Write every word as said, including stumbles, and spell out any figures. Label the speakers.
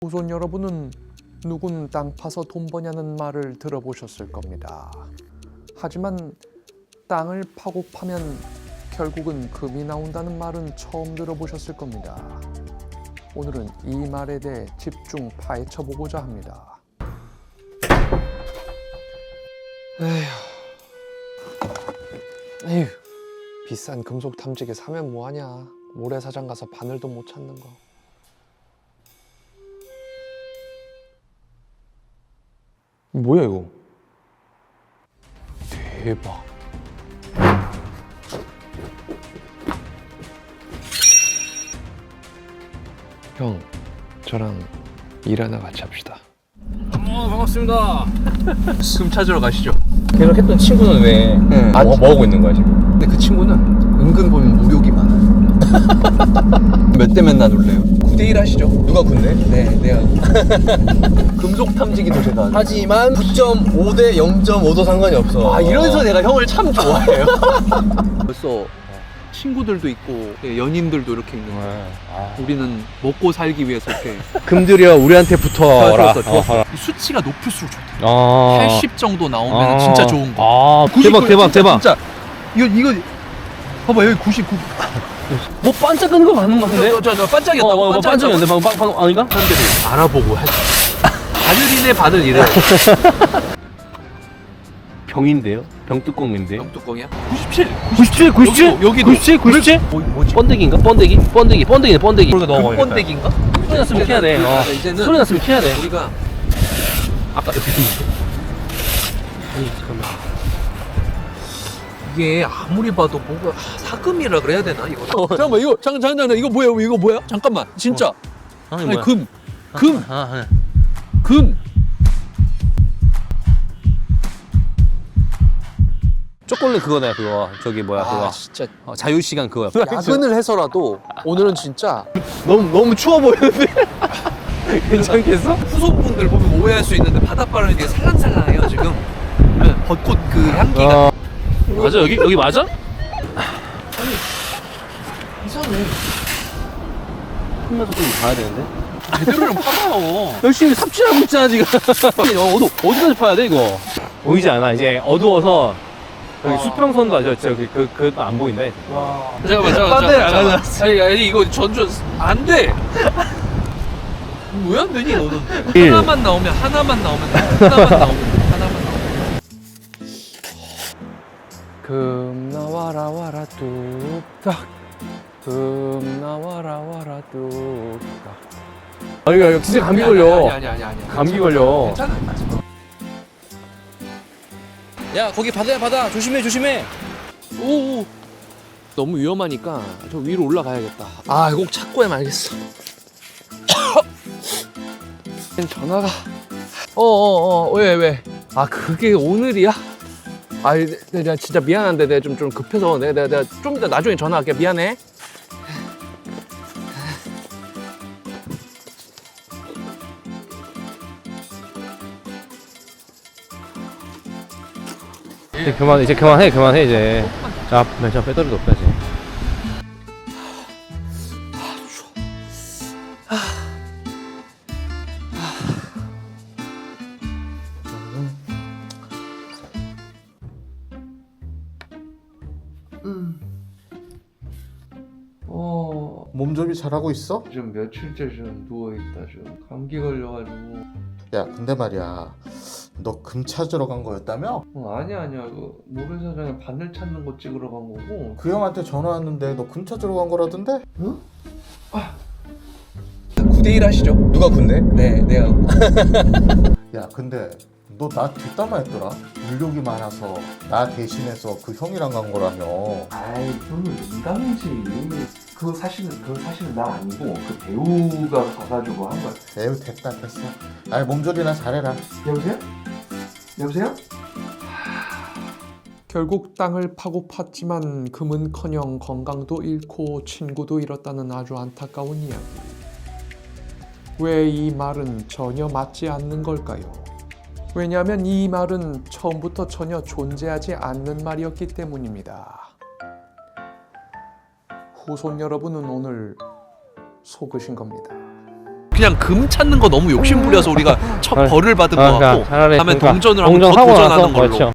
Speaker 1: 후손 여러분은 누군 땅 파서 돈 버냐는 말을 들어보셨을 겁니다. 하지만 땅을 파고 파면 결국은 금이 나온다는 말은 처음 들어보셨을 겁니다. 오늘은 이 말에 대해 집중 파헤쳐보고자 합니다. 에휴, 에휴, 비싼 금속 탐지기 사면 뭐하냐. 모래사장 가서 바늘도 못 찾는 거. 뭐야 이거? 대박. 형, 저랑 일 하나 같이 합시다.
Speaker 2: 어, 반갑습니다.
Speaker 3: 금 찾으러 가시죠.
Speaker 2: 계속했던 친구는 왜
Speaker 1: 네.
Speaker 2: 뭐, 뭐 하고 있는 거야 지금?
Speaker 3: 근데 그 친구는 은근 보면 무력이 많아요. 몇 대면 나눌래요? 구 대 일 하시죠.
Speaker 2: 누가 군대?
Speaker 3: 네, 내가 금속 탐지기도 제가 하죠.
Speaker 2: 하지만 구 점 오 대 영 점 오도 상관이 없어.
Speaker 3: 아, 이래서 내가 형을 참 좋아해요. 벌써 친구들도 있고 연인들도 이렇게 있는 거야.
Speaker 2: 아.
Speaker 3: 우리는 먹고 살기 위해서 이렇게
Speaker 2: 금들여 우리한테 붙어라.
Speaker 3: 좋았어, 좋았어. 이 수치가 높을수록 좋다.
Speaker 2: 아.
Speaker 3: 팔십 정도 나오면
Speaker 2: 아.
Speaker 3: 진짜 좋은 거.
Speaker 2: 아,
Speaker 3: 구십,
Speaker 2: 대박 대박
Speaker 3: 진짜,
Speaker 2: 대박.
Speaker 3: 진짜 이거 이거 봐봐 여기 구십구.
Speaker 2: 뭐 반짝거리는 거 맞는 거 같은데?
Speaker 3: 저, 저, 저 반짝이었다.
Speaker 2: 어, 어, 반짝이었는데 방금 방, 방 아닌가?
Speaker 3: 사람들이 알아보고 하지. 바늘이네 바늘 이래.
Speaker 2: 병인데요? 병뚜껑인데요?
Speaker 3: 병뚜껑이야? 구십칠.
Speaker 2: 구십칠, 구십칠,
Speaker 3: 여기도, 여기도.
Speaker 2: 구십칠, 구십칠.
Speaker 3: 뭐, 뭐지?
Speaker 2: 번데기인가? 번데기, 번데기, 번데기네, 번데기.
Speaker 3: 금번데기인가?
Speaker 2: 소리 났으면 키야 돼. 어.
Speaker 3: 이제는
Speaker 2: 소리 났으면 키야 돼.
Speaker 3: 우리가
Speaker 2: 아까 여기 있는데. 아니 잠깐만.
Speaker 3: 이게 아무리 봐도 뭔가 아, 사금이라 그래야 되나 이거? 어, 잠깐만 이거 잠깐 잠깐 잠깐 이거 뭐야 이거 뭐야? 잠깐만 진짜.
Speaker 2: 어. 아니,
Speaker 3: 아니
Speaker 2: 뭐야?
Speaker 3: 금, 금,
Speaker 2: 아, 아,
Speaker 3: 금.
Speaker 2: 초콜릿 그거네 그거. 저기 뭐야 그거.
Speaker 3: 아 진짜
Speaker 2: 어, 자유시간 그거야.
Speaker 3: 야근을 해서라도 오늘은 진짜
Speaker 2: 너무 너무 추워 보이는데. 괜찮겠어?
Speaker 3: 후손분들 보면 오해할 수 있는데 바닷바람이 되게 살랑살랑해요 지금. 네, 벚꽃 그 향기가.
Speaker 2: 어. 맞아 여기 여기 맞아?
Speaker 3: 이상해.
Speaker 2: 끝나서 좀 봐야 되는데.
Speaker 3: 제대로 좀 파봐요.
Speaker 2: 열심히 삽질하고 있잖아 지금. 어, 어디 어디까지 파야 돼 이거? 보이지 않아 이제 어두워서 여기 수평선도 아죠 저기 그 그것도 안 보인다.
Speaker 3: 와. 잠깐만 잠깐만.
Speaker 2: 딴 데를 안
Speaker 3: 잠깐만.
Speaker 2: 가져왔어.
Speaker 3: 아니 아니 이거 전전 안 돼. 왜 안 되니 너는?
Speaker 2: 일.
Speaker 3: 하나만 나오면 하나만 나오면 하나만 나오면 하나만 나오면.
Speaker 1: 금 나와라 와라 뚝딱. 금 나와라 와라 뚝딱.
Speaker 2: 아 이거 이거 진짜 감기 걸려.
Speaker 3: 아니 아니 아니 아니.
Speaker 2: 감기 걸려.
Speaker 3: 괜찮아. 괜찮아.
Speaker 2: 야 거기 바다야 바다 조심해 조심해.
Speaker 3: 오. 너무 위험하니까 저 위로 올라가야겠다. 아, 이거 꼭 찾고 해말겠어. 전화가. 어어어 왜 왜? 아 그게 오늘이야? 아, 내가 진짜 미안한데 내가 좀 좀 급해서 내가 내가, 내가 좀 이따 나중에 전화할게. 미안해.
Speaker 2: 이제 그만 이제 그만해 그만해 이제. 자 맨처음 배터리도 없다 이제.
Speaker 3: 어.
Speaker 4: 몸조리 잘하고 있어?
Speaker 3: 좀 며칠째 좀 누워있다 좀 감기 걸려가지고.
Speaker 4: 야 근데 말이야 너 금 찾으러 간 거였다며?
Speaker 3: 어, 아니야 아니야 그 모래사장에 바늘 찾는 거 찍으러 간 거고.
Speaker 4: 그 형한테 전화 왔는데 너 금 찾으러 간 거라던데?
Speaker 3: 구 대 일 하시죠.
Speaker 2: 누가 군대?
Speaker 3: 네 내가.
Speaker 4: 야 근데 너 나 뒷담화했더라? 물욕이 많아서 나 대신해서 그 형이랑 간 거라며.
Speaker 5: 아이 그러면 농담이지. 그거 사실은 그거 사실은 나 아니고 그 배우가 가가지고 한 거야.
Speaker 4: 에휴 됐다 됐어. 아이 몸조리나 잘해라.
Speaker 5: 여보세요? 여보세요?
Speaker 1: 결국 땅을 파고 팠지만 금은커녕 건강도 잃고 친구도 잃었다는 아주 안타까운 이야기. 왜 이 말은 전혀 맞지 않는 걸까요? 왜냐하면 이 말은 처음부터 전혀 존재하지 않는 말이었기 때문입니다. 후손 여러분은 오늘 속으신 겁니다.
Speaker 3: 그냥 금 찾는 거 너무 욕심 부려서 우리가 첫
Speaker 2: 아,
Speaker 3: 벌을 받은
Speaker 2: 아,
Speaker 3: 거 같고
Speaker 2: 차라리
Speaker 3: 다음에
Speaker 2: 그러니까
Speaker 3: 동전을 한번 더
Speaker 2: 동전하고
Speaker 3: 도전하는
Speaker 2: 나서
Speaker 3: 걸로.
Speaker 2: 그렇죠.